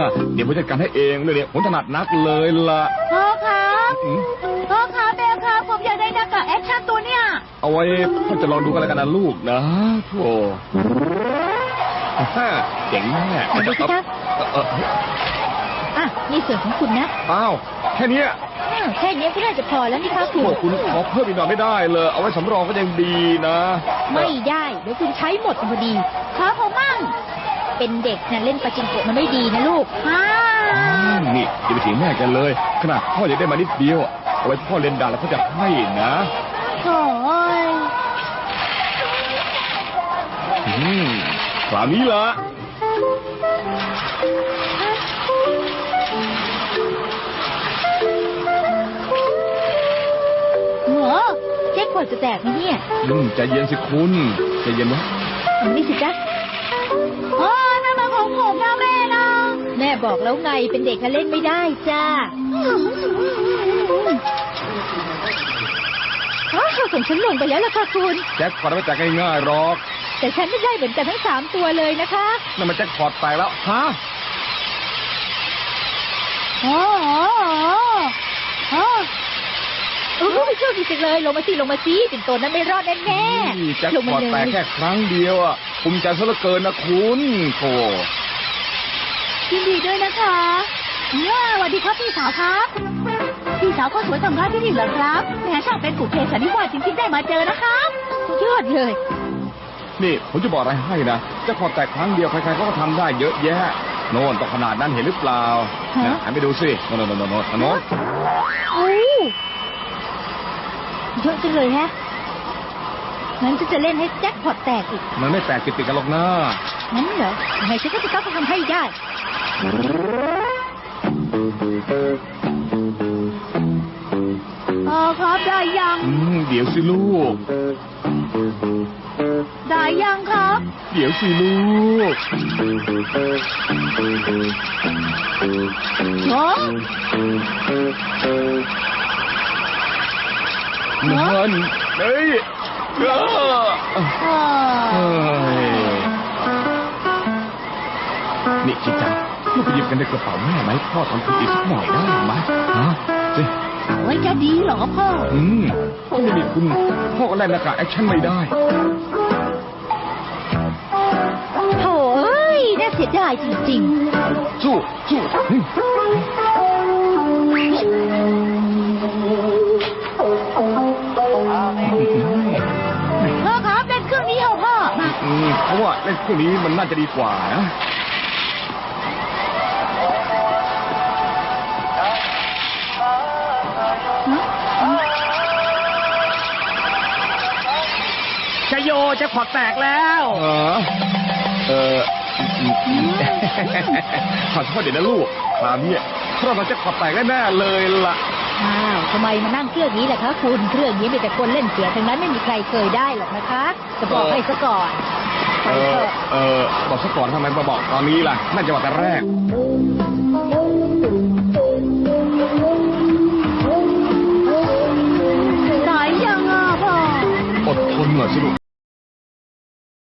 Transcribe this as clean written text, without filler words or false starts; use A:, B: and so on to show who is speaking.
A: เดี๋ยวผมจัดการให้เองเนี่ยผมถนัดนักเลยล่ะ
B: พ่อครับพ่อครับแม่ครับผมอยากได้หน้ากากแอคชั่นตัวเนี่ย
A: เอาไว้พ่อจะลองดูกันแล้วกันนะลูกนะโธ่เจ๋งแน่
B: ดูสิครับนี่ส่วนของคุณนะ
A: อ้าวแค่นี้
B: ก็น่าจะพอแล้วนี่ครับ
A: คุณขอเพิ่มอีกหน่อยไม่ได้เลยเอาไว้สำรองก็ยังดีนะ
B: ไม่ได้เดี๋ยวคุณใช้หมดพอดีครับผมมั่งเป็นเด็กนะเล่นปาจิงโกะมันไม่ดีนะลูก
A: นี่อย่าไปเถียงแม่กันเลยขนาดพ่ออยากได้มานิดเดียวเอาไว้พ่อเล่นด่าแล้วพ่อจะให้นะ
B: โอ้ย
A: คราวนี้ละ
B: แจ็คพอตจะแตกไหมเนี่ย
A: ใจเย็นสิคุณใจเย็นนะ
B: นี่สิจ๊ะนั่นมาของผมนะแม่นะแม่บอกแล้วไงเป็นเด็กเล่นไม่ได้จ้าส่งฉันลงไปแล้วล่ะค่ะคุณ
A: แจ็คพอตไม่แตกง่ายๆหรอก
B: แต่ฉันไม่ได้เหมือนกันทั้ง3ตัวเลยนะคะ
A: นั่นมันแจ็คพอตแตกแล้วฮะ
B: ไม่เชื่อจริงๆเลยลงมาสิปิ่นโตนั้นไม่รอดแน่
A: ๆแจ็คพอตแตกแค่ครั้งเดียวอ่ะภูมิใจซะเหลือเกินนะคุณโธ่
B: ยินดีด้วยนะคะสวัสดีครับพี่สาวครับพี่สาวก็สวยทำร้ายที่นี่เหรอครับแหมช่างเป็นกุเทสันนิวาสจริงๆได้มาเจอนะครับยอดเลย
A: นี่ผมจะบอกอะไรให้นะแจ็คพอตแตกครั้งเดียวใครๆก็ทำได้เยอะแยะโน่นต้องขนาดนั้นเห็นหรือเปล่าหันไปดูสิโน่น
B: เยอะจังเลยฮะงั้นจะเล่นให้แจ็คพอตแตกอีก
A: มันไม่แตกติดกันหรอกนะ
B: งั้นเหรอยังไงฉันก็จะต้องทำให้ได้ครับได้ยัง
A: เดี๋ยวสิลูก
B: ได้ยังครับ
A: เดี๋ยวสิลูกมันเฮ้ยนี่ชิจังลูกไปหยิบกันในกระเป๋าแม่ไหมพ่อทำคุณอีกสักหน่อยได้ไหมสิ
B: เอาไว้จะดีเหรอพ่อ
A: ถ้าไม่มีคุณพ่อก็เล่นหน้ากากแอคชั่นไม่ได้
B: โถ่น่าเสียดายจริง
A: ๆสู้
B: พ่อครับเล่นเครื่องนี้เอาพ่อ
A: เพราะว่าเล่นเครื่องนี้มันน่าจะดีกว่านะ
C: ชัยโยจะขอดแตกแล้ว
A: ขอโทษเดี๋ยวนะลูกคราวนี้เราจะขอดแตกแน่เลยล่ะ
B: ทำไมมานั่งเครื่องนี้แหละคะคุณเครื่องนี้มีแต่คนเล่นเสือทั้งนั้นไม่มีใครเคยได้หรอกนะคะจะบอกให้ซะก่อน
A: บอกซะก่อนทำไมมาบอกตอนนี้ล่ะน่าจะบอกแต่แรก
B: ไหนยังพ่อ
A: อดทนหน่อยสิลูก